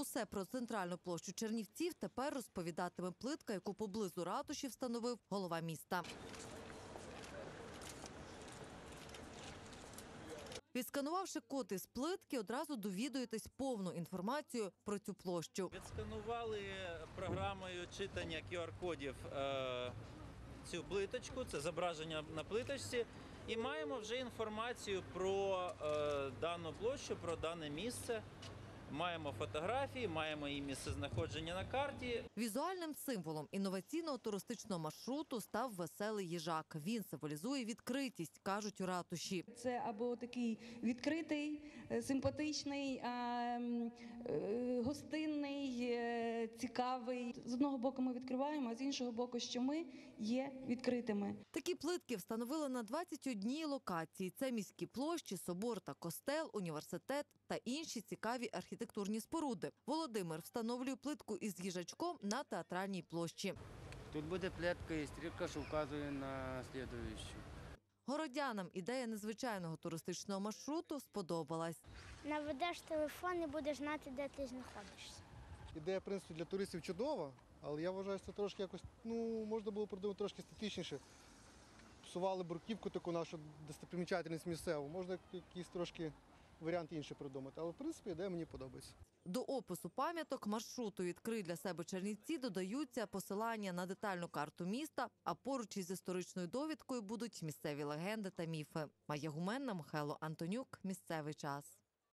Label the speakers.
Speaker 1: Усе про центральну площу Чернівців тепер розповідатиме плитка, яку поблизу ратуші встановив голова міста. Відсканувавши код із плитки, одразу довідуєтесь повну інформацію про цю площу.
Speaker 2: Відсканували програмою читання QR-кодів цю плиточку, це зображення на плиточці, і маємо вже інформацію про дану площу, про дане місце. Маємо фотографії, маємо її місцезнаходження на карті.
Speaker 1: Візуальним символом інноваційного туристичного маршруту став веселий їжак. Він символізує відкритість, кажуть у ратуші.
Speaker 3: Це або такий відкритий, симпатичний, гостинний, цікавий. З одного боку ми відкриваємо, а з іншого боку, що ми є відкритими.
Speaker 1: Такі плитки встановили на 21 локації. Це міські площі, собор та костел, університет та інші цікаві архітектурні споруди. Володимир встановлює плитку із їжачком на Театральній площі.
Speaker 4: Тут буде плитка і стрілка, що вказує на слідуючу.
Speaker 1: Городянам ідея незвичайного туристичного маршруту сподобалась.
Speaker 5: Наведеш телефон і будеш знати, де ти знаходишся.
Speaker 6: Ідея, в принципі, для туристів чудова, але я вважаю, що це трошки якось, можна було придумати трошки естетичніше. Псували бруківку таку нашу достопримічательність місцеву, можна якийсь трошки варіант інший придумати, але, в принципі, ідея мені подобається.
Speaker 1: До опису пам'яток маршруту «Відкрий для себе Чернівці» додаються посилання на детальну карту міста, а поруч із історичною довідкою будуть місцеві легенди та міфи. Майя Гуменна, Михайло Антонюк. Місцевий час.